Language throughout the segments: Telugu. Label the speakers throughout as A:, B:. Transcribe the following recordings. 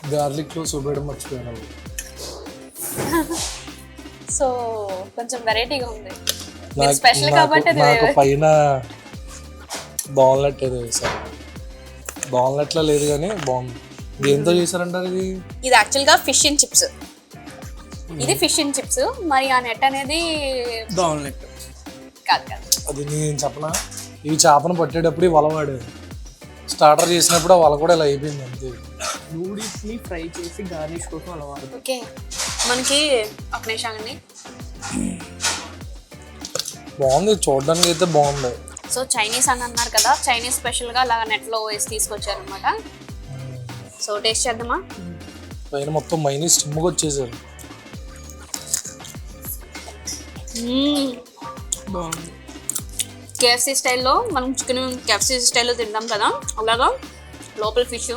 A: గార్లిక్లో చూపేయడం మర్చిపోయాను.
B: సో కొంచెం వెరైటీగా ఉంది. మీరు స్పెషల్ కాబట్టి
A: నాకు పైన బాల్నట్ ఏదో వేసారు. బాల్నట్లో లేదు కానీ బాగుంది. దేంతో చేశారంటారు ఇది?
B: ఇది యాక్చువల్గా ఫిష్ అండ్ చిప్స్. ఇది ఫిష్ అండ్ చిప్స్. మరి ఆ నెట్ అనేది
C: బాల్నట్
B: కాదు కాదు.
A: అది నేను చెప్పనా, ఇవి చేపను పట్టేటప్పుడు వల వాడారు. స్టార్టర్ చేసినప్పుడు ఆ వల కూడా ఇలా అయిపోయింది అంతే.
C: నూడిల్స్ని ఫ్రై చేసి గార్నిష్ కోసం అలా వాడతారు.
B: ఓకే, మనకి ఒక నిమిషం అండి.
A: బాగుంది, చూడడానికి అయితే బాగుంది.
B: సో చైనీస్ అని అన్నారు కదా, చైనీస్ స్పెషల్గా అలా నెట్లో వేసి తీసుకొచ్చారనమాట. సో టేస్ట్ చేద్దామా?
A: పైన మొత్తం మైనస్ స్టిమ్గా వచ్చేసారు.
C: బాగుంది.
B: కేఎఫ్సీ స్టైల్లో మనం చికెన్ కేఎఫ్సీ స్టైల్లో తింటాం కదా, అలాగా లోపల ఫిష్.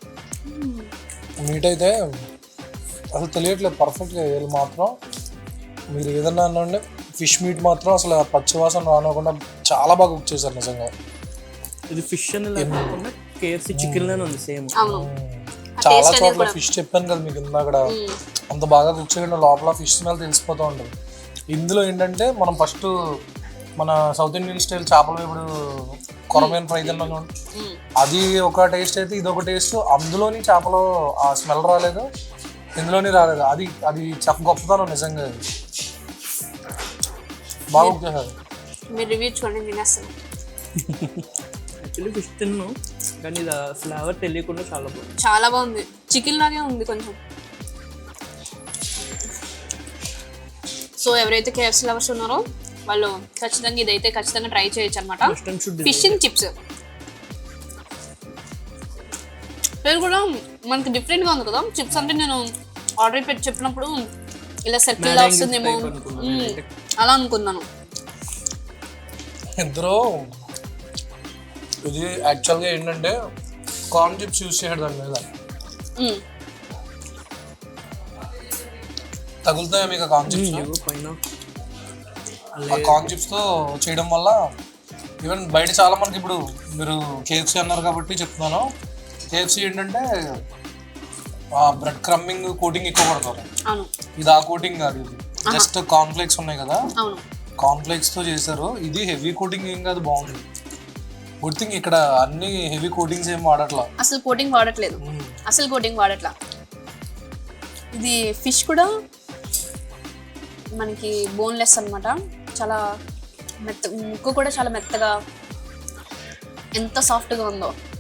A: మీట్ అయితే అసలు తెలియట్లేదు పర్ఫెక్ట్గా. వీళ్ళు మాత్రం మీరు ఏదన్నా అనండి, ఫిష్ మీట్ మాత్రం అసలు పచ్చివాసన రానివ్వకుండా చాలా బాగా కుక్ చేశారు నిజంగా.
C: ఇది ఫిష్ అని లేకుండా కేఎఫ్సీ చికెన్ లానే ఉంది సేమ్.
B: అవును,
A: చాలా చోట్ల ఫిష్ చెప్పాను కదా మీకు ఇందాక, అంత బాగా కుక్ చేయడం లోపల ఫిష్ స్మెల్ తెలిసిపోతూ ఉంటుంది. ఇందులో ఏంటంటే మనం ఫస్ట్ మన సౌత్ ఇండియన్ స్టైల్ చేపల వేపుడు కొరమేన్ ఫ్రై తిన్నాను, అది ఒక టేస్ట్ అయితే ఇది ఒక టేస్ట్. అందులోని చేపలో ఆ స్మెల్ రాలేదు, ఇందులోని రాలేదు. అది అది గొప్పతనం నిజంగా. బాగా కుక్ చేశారు.
B: మీరు రివ్యూ చూడండి, తినేస్తాను.
C: యాక్చువల్లీ ఫిష్ తిన్నాను కానీ ఇది ఫ్లేవర్ తెలియకుండా చాలా బాగుంది.
B: చాలా బాగుంది, చికెన్ లాగే ఉంది కొంచెం. సో ఎవరైతే కేఎఫ్సీ లవర్స్ ఉన్నారో వాళ్ళు ఖచ్చితంగా ఇదైతే ఖచ్చితంగా ట్రై చేయొచ్చు అనమాట. ఫిష్ అండ్ చిప్స్ పేరు కూడా మనకి డిఫరెంట్గా ఉంది కదా. చిప్స్ అంటే నేను ఆర్డర్ పెట్టి చెప్పినప్పుడు ఇలా సర్కిల్ వస్తుందేమో అలా అనుకున్నాను.
A: ఇద్దరు ఇది యాక్చువల్గా ఏంటంటే కార్న్ చిప్స్ యూజ్ చేయడం దాని మీద తగులుతాయి మీకు కార్న్ చిప్స్.
C: పైన
A: కార్న్ చిప్స్తో చేయడం వల్ల ఈవెన్ బయట చాలా మనకి ఇప్పుడు మీరు కేఎఫ్సీ అన్నారు కాబట్టి చెప్తున్నాను. కేఎఫ్సీ ఏంటంటే బ్రెడ్ క్రమ్మింగ్ కోటింగ్ ఎక్కువ పడతారు. ఇది ఆ కోటింగ్ కాదు, ఇది జస్ట్ కార్న్ఫ్లేక్స్ ఉన్నాయి కదా, కార్న్ఫ్లేక్స్తో చేశారు. ఇది హెవీ కోటింగ్ ఏం కాదు, బాగుంది. గుడ్ థింగ్ ఇక్కడ అన్ని హెవీ కోటింగ్స్ ఏం వాడట్లా,
B: అసలు కోటింగ్ వాడట్లేదు, అసలు కోటింగ్ వాడట్లా. ఇది ఫిష్ కూడా మనకి బోన్లెస్ అనమాట. చాలా ముక్కు కూడా చాలా మెత్తగా ఎంత సాఫ్ట్గా ఉందో.